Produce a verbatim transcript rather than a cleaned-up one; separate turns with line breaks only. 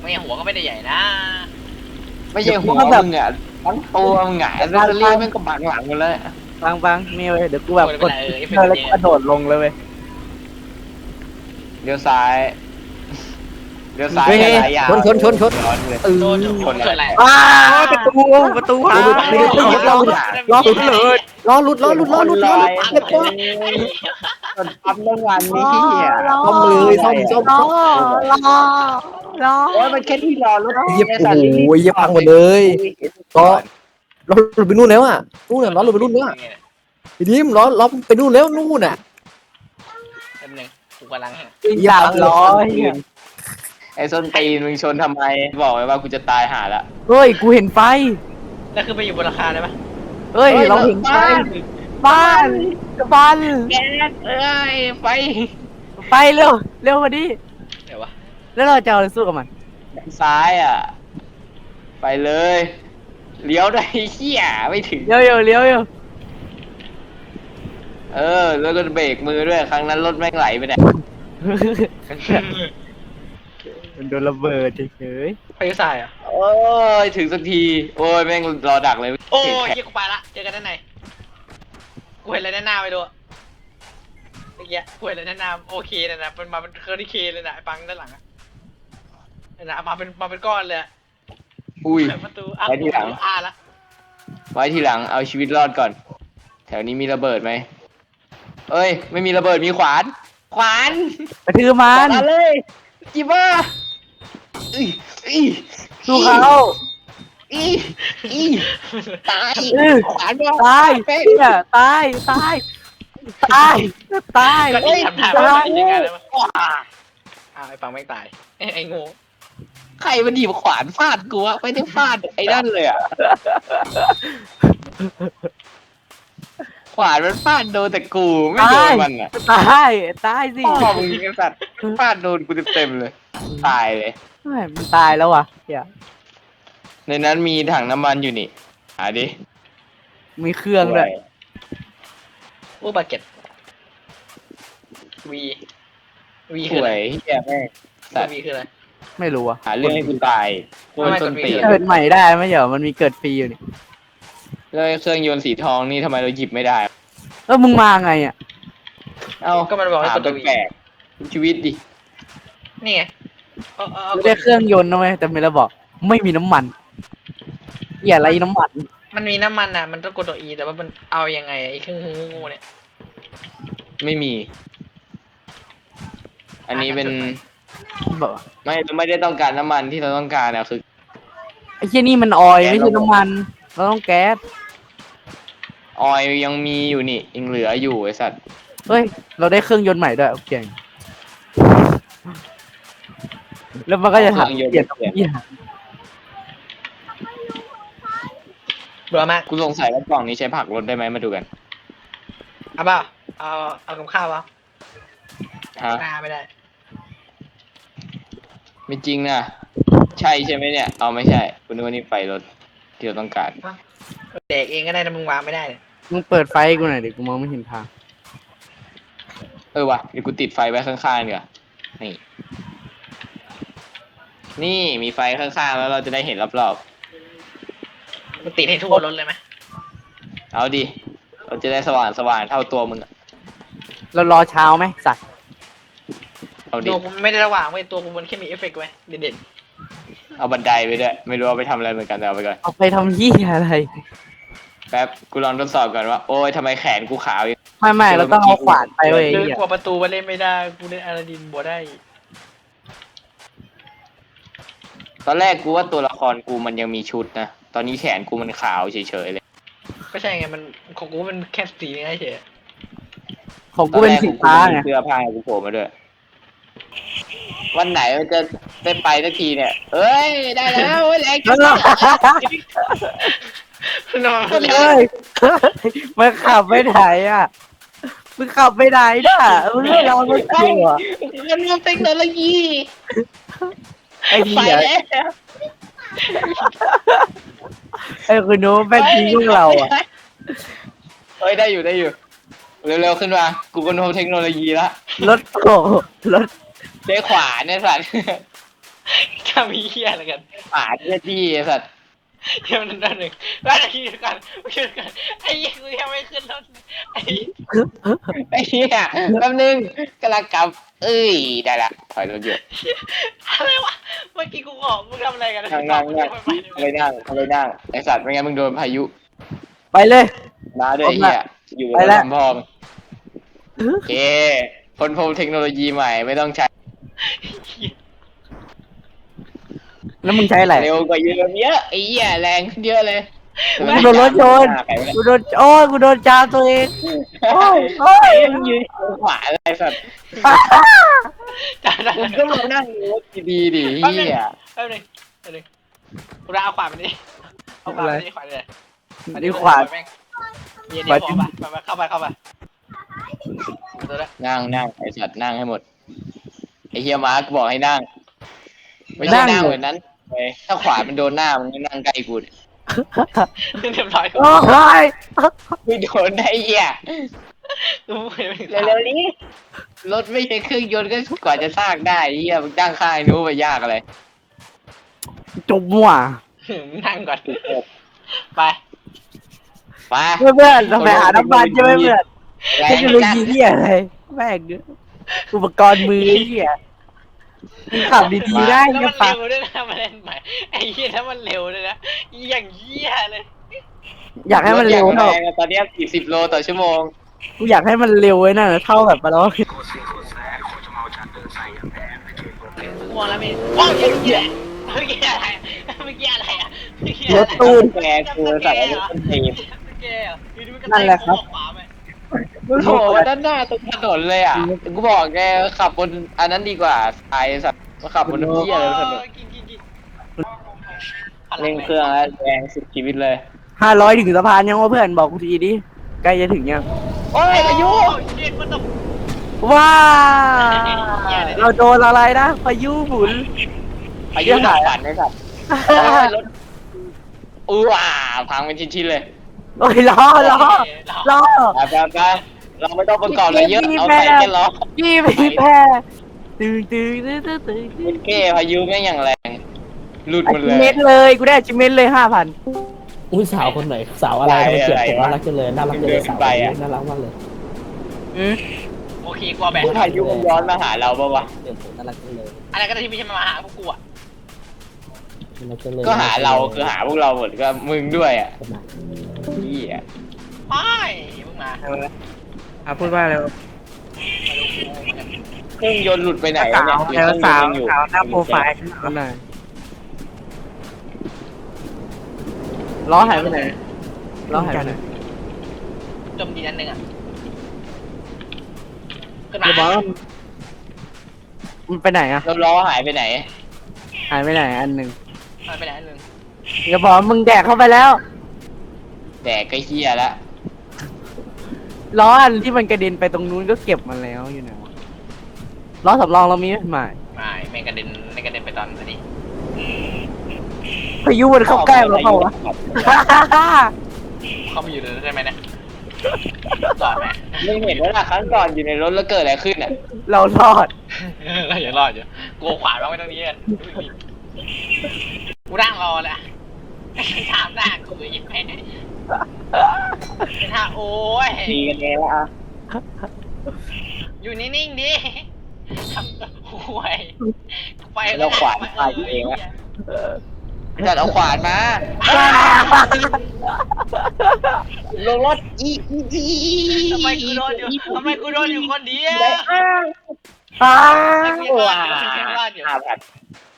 ไม่หัวก็ไม่ได้ใหญ่นะ
ไม่ใช่หัวมึงอ่ะทั้งตัวมึงหงายแล้วเรียกมันก็บังหลังกันแล้ว
ฟังฟังนี่เว้ยเดี๋ยวกูแบบกด
เออเอฟเฟ
เธ
ก
อ
ต์
แล้ว
เย
กระโดดลงเลยเว้ย
เลี้ยวซ้ายเลี้ยวซ้าย
เฮ้ย
กับซ้ายยาว
ชนชนชนชน
ร้อนเลย
เออ
โดนชนเกิดอะไร
อ้าประตูประตูหา
ไม่ได้ไม่ได้รอรอหลุดเลยรอหลุดรอหลุดรอหลุดรอหลุดเรียบร้อย
จนปั๊มน้ำมันนี่เหี้ย
ซ่อมเลยซ่อมซ่อม
รอ
ซ่อม
รอรอ
โอ้ยมันแค่ที่รอรถ
เยียบโอ้โหเยียบพังหมดเลยก็ล้อหลุดไปนู่นแล้วอ่ะนู่นน่ะล้อหลุดไปนู่นแล้วไอ้ดิมล้อล้อไปนู่นแล้วนู่นน่ะ
แป๊บนึงกูกำลัง
สามร้อย
ไอ้ส้นตีนมึงชนทำไมบอกไว้ว่ากูจะตายหาละ
เฮ้ยกูเห็นไฟ
แล้วคือไปอยู่บนราคาได้ปะ
เฮ้ยเราเห็นไฟบ้านบ้าน
แก๊สเอ้ยไฟ
ไฟเร็วเร็วกว่านี้
เดี๋ยววะ
แล้วเราจะเอาอะไรสู้กับมัน
ซ้ายอ่ะ ไปเลยเลี้ยวได้เหี้ยไม่ถึง
เร็วเร็วเร็วเร็ว
เออ แล้วก็เบรกมือด้วยครั้งนั้นรถแม่งไหลไปเนี่ย
มันโดนระเบิดเฉย
พายุทรายอ่ะ
โอ้ยถึงสักทีโอ้ยแม่งรอดักเลย
โอ้ยเหี้ยกูไปละเจอกันด้านในกูเห็นอะไรด้านหน้าไปดูเมื่อกี้กูเห็นอะไรด้านหน้าโอเคนะนะมันมาเป็นเคอร์ดิเคเลยนะไอ้ปังด้านหลังอะนะมาเป็นมาเป็นก้อนเลย
อุ้ย
เปิดประตูอ่ะ
ไว้ทีหลัง
อ่ะละ
ไว้ทีหลังเอาชีวิตรอดก่อน แถวนี้มีระเบิดไหมเอ้ย ไม่มีระเบิดมีขวาน ขวาน
ๆกระทืบมัน
มาเลยจิบ้าอีอี
สู้เขา
อีอีตาย
เออ
ขวานมา
ตาย
เป๊ะ
เนี่ยตายตายตายตาย
ก็ที่ทำท่า
ตา
ว่าย เป็นยังไงแล้ววะอ้าวไอ้ปังไม่ตายไอ้ไอ้งู
ใครมันหยิบขวานฟาดกูวะไม่ได้ฟาดไอ้นั่นเลยอ่ะ ขวานมันฟาดโดนแต่กูไม่โดนมันอ่ะ
ตายตายสิ
พ่อมึงไอ้สัตว์ฟาดโดนกูเต็มๆเลย ตายเลย
เฮ้ยมันตายแล้วว่ะเดี๋ยว
ในนั้นมีถังน้ำมันอยู่นี่หาดิ
มีเครื่องด้วย
อู้บาเก็ตวีวี
ส
คืออะไร
วยเฮียแม่งสัตว์
วีคืออะไร
ไม่รู้อ่ะ
หาเรื่องให้กูตายโคตรต้นตีน
เกิดใหม่ได้ไหมเหรอมันมีเกิดฟรีอยู่นี่
แล้วเครื่องยนต์สีทองนี่ทำไมเราหยิบไม่ได้
เออมึงมาไงอ่ะ
เอ้า
ก็มันบอกให้
ถาก ม
ดตัววี
แปลกๆชีวิตดิ
นี่ไงเอาเอาเอา
ไม่ได้เครื่องยนต์นะเว้ยแต่ไม่ระบอกไม่มีน้ำมันอย่าไรน้ำมัน
มันมีน้ำมันอ่ะมันต้องกดตัวอีแต่ว่ามันเอายังไงไอ้เครื่องงูเนี่ย
ไม่มี อันนี้เป็น
บอก
ไม่ไม่ได้ต้องการน้ำมันที่เราต้องการนะคือ
ไอ้เชี่ยนี่มันออยล์ไม่ใช่น้ำมันเราต้องแก๊ส
ออยล์ยังมีอยู่นี่ยังเหลืออยู่ไอสัตว์
เฮ้ยเราได้เครื่องยนต์ใหม่ด้วยโอเคแล้วมันก็จะถามเปลี่ยนตรงนี้
เบื่อมาก
กูสงสัยว่ากล่องนี้ใช้ผักรถได้ไหมมาดูกัน
เอาเปล่าเอาเอากับข้าวเปล่า
ฮะ
หน้าไม่ได้
ไม่จริงนะใช่ใช่ไหมเนี่ยเอาไม่ใช่คุณนึกว่านี่ไฟรถที่เราต้องการ
เด็กเองก็ได้นะมึงวางไม่ได้เนี่ย
มึงเปิดไฟให้กูหน่อยดิกูมองไม่เห็นทาง
เออวะเดี๋ยวกูติดไฟไว้ข้างๆเนีกว่ยนี่ นี่มีไฟข้างๆแล้วเราจะได้เห็นรอบ
มึงติดให้ทั่วรถเลยไหม
ๆเอาดิเราจะได้สว่างสว่างเท่าตัวมึงอะ
เรารอเช้าไหมสัตว์
เอาดิ
ตัวกูไม่ได้ระหว่างเว้ยตัวกูมันแค่มีเอฟเฟกต์ไว้เด่น
เอาบันไดไปด้วยไม่รู้เอาไปทำอะไรเหมือนกันแต่เอาไปก่อน
เอาไปทำยี่อะไร
แป๊บกูลองทดสอบก่อนว่าโอ้ยทำไมแขนกูขาวอย่าง
ไม่ไม่เราต้องเอาขวานไป
ๆ
เว้ย
เดิน
เหี้ย
กว่าประตูมาเล่นไม่ได้กูเล่นอาราดินบัวได้
ตอนแรกกูว่าตัวละครกูมันยังมีชุดนะตอนนี้แขนกูมันขาวเฉยๆเลย
ก็ใช่ไงมันของกูมันแค่สีนี่เฉย
ของกูเป็นสีฟ้า
ตอนแร
ไง
กกูมีเสื้อผ้าให้กูโผล่มาด้วย วันไหนมันจะได้ไปสักทีเนี่ย เอ้ย ได้แล้วเว้ยแรงจัง
นอน
เฮ้ยมันขับไปไหนอ่ะมึงขับไปไหนน่ะมึงไม่รอมันกลัว
มันมีเทคโนโลยี
ไอ้
ไป
เหี้ย
แล้ว
ไอ้คุณนู้แม่งทิ้งพวกเราอ่ะ
เอ้ย ได้อยู่ได้อยู่ เร็วๆขึ้นมา กูก็โน้มเทคโนโลยีละ
รถโกรถ
ใช้ขวาเนี่ยสัตว์
ขทำเหี้ยอะไรกัน
ป่าเจ้าที่ไอ้สัตว์
เดี๋ยวนั่นหนึ่งแล้วนาทีเดียวกันขึ้นกันไอ้ยี่กูยังไม่ขึ้นรถไอ้
ไอ้เหี้ยแป๊บนึงกำลังกลับเอ้ยได้ละถอยรถอยู่
อะไรวะเมื่อกี้กูบอกมึงทำอะไรกัน
นั่งนั่งนั่งเอาไปนั่งเอาไปนั่งไอ้สัตว์ไม่งั้นมึงโดนพายุ
ไปเลย
มาด้วยไอ้เหี้ยอยู่
ไปแล้ว
ลำพองโอเคคนพบเทคโนโลยีใหม่ไม่ต้องใช้
แล้วมึงใช้อะไร
เร็วกว่าเยอะเยอะไอ้เหี้ยแรงขึ้นเยอะเลย
กูโดนรถชน กูโดนโอ้ยกูโดนจามตัวเองโอ้ยโอ้ย
มึงยืนขวาอะไรสัตว์
จ้าจ้า
มึงก็มานั่งรถดีๆดิเหี้ย
แป๊บนึงแป๊บนึงกูเอาขวานมันนี่เอาขวานมันนี่ขวานเลย
นี่ขวาน
เย็นนี่ขวานไปไปเข้าไปเข้าไปตัวละ
นั่งนั่งไอ้สัตว์นั่งให้หมดไอ้เฮียมาร์กบอกให้นั่ง ไม่ใช่นั่งเหมือนนั้นเว้ยถ้าขวามันโดนหน้ามันก็นั่งใกล้กูดิ
เรียบร้อย
โอ้ย
ไม่โดนได้เหี้ย
กูไม่ได้
เร็วๆนี้รถไม่ใช่เครื่องยนต์ก็กว่าจะสร้างได้เหี้ยมึงตั้งค่ายนู้นไปยากอะไร
จบมั่ว
นั่งก่อนไป
มา
เพื่อนเพื่อนทำไมหาน้ำมันใช่ไหมเพื่อน
แร
เทค
ง
โนโล
จัด
ยีที่อะไรแม่งอุปกรณ์มือไอ้เหี้ยมึงขับดีๆได้
แล้ว
เงี้
มั
ย
น
ปะ
เร็วด้วยนะมาเล่นใหม่ไอ้เหี้ยถ้ามันเร็วเลยนะอย่างเหี้ยเลย
อยากให้มันเร็ว
ถอย่า
เท่าง
แรงอะตอนเนี้สี่สิบโลต่อชั่วโมง
กูอยากให้มันเร็วไว้น่ะเท่าแบบมาแล้ว
มองแล้วมีว้าวเหี้ยเหี้ยเมื่อกี้อะไรเมื่อกี้อะไรอ่ะเมื่อกี้
ร
อะไร
ถตู้
แกกูใส่รถต้นตีน
เมื่อกี้อ่ะอยู่ดีมันก็
นั่นแหละครับ
ขวาไป
โอ้โหด้านหน้าตรงถนนเลยอ่ะกูบอกแกขับบนอันนั้นดีกว่าไอ้สัตว์มาขับบนเหี้ยเลยถนน
กินกินกิน
เร่งเครื่องแล้วแรงสุดชีวิตเลย
ห้าร้อยถึงสะพานยังวะเพื่อนบอกกูทีดิใกล้จะถึงยัง
โอ้ยพายุ
เย็นมันต้อง
ว้าเราโดนอะไรนะพายุหมุน
พายุหนักฝันเลยสัตว์รถอู้อ่าพังเป็นชิ้นๆเลย
โอ้ยล้อล้อล้อ
ไปไปไปเราไม่ต้องประกอบอะไรเยอะเอาใส่แค่ล้อ
พี่พี่แพ้ตื่นตื่นตื่นตื่นตื่น
มันเก้พายุแม่งอย่างแรงหลุดหมด
ชิ
เล
เม
ย
นเลยกูได้ชิเมนเลยห้าพัน
อุ้ยสาวคนไหนสาวอะไรทำไมเกลียดผม
อะไรวะ
น่ารักจังเลยน่ารักจังเลยสาวคนนี้น่ารักมากเลย
โอเคกลัวแบบ
พายุมันย้อนมาหาเราปะวะ
เกลียดผมน่ารักจังเลย
อะไรก็ได้ที่ไม่ใช่มาหาพวกกูอ่ะ
น่ารักจังเลย
ก็หาเราคือหาพวกเราหมดก็มึงด้วยอ่ะ
คนไหน
พี่อ่ะ
ไปมึงมา
อ่ะพูดว่าอะไร
เครื่องยนต์หลุดไปไหน
สาว
เนี่ย
แล้วสาว
หรือ
สาวหน้าโปรไฟ
เค
ล์นั่นน่ะล้อหายไปไหนล้อหายไปไหน
จมดีนั่นหนึ่งอ่ะขึ้น
เดี๋ยวบอ
มา
กมันไปไหนอะ
รื่องยนต์แล้วล้อหายไปไหน
หายไปไหนอันหนึ่ง
ไปไหนหนึ่ง
เดี๋ยวบอกมึงแดกเข้าไปแล้ว
แดกก็เฮียแล้ว
ล้ออันที่มันกระเด็นไปตรงนู้นก็เก็บมาแล้วอยู่ไหนวะล้อสำรองเรามีไหมไม่
ไม่แม่งกระเด็นไม่กระเด็นไปตอนนี้
พายุมันเข้าใกล้เราเปล่าวะ
เข้ามาอยู่เลยใช่ไหมเนี่ยจอดไหม
มึงเห็นว่าล่ะครั้งก่อนอยู่ในรถแล้วเกิดอะไรขึ้นอ่ะ
เรารอด
เราอย่ารอดอยู่กลัวขวานบ้างไม่ต้องนี้กูนั่งรอแหละถามหน้ากูอีกแม่เป็นท่าโอ้ย
ดีกันเองแล้วอ่ะ
อยู่นิ่งๆดิทำห่วยไป
เราขวานตายเองอ่ะจัดเอาขวานมาลงรถอีอีอี
ทำไมกูโดนอยู่ทำไมกูโดนอยู่คนเดียว
ได้อ้าง
อ้า
ไอ้
ว
กู
ว้า
ว่าอยู่
ห้าพัน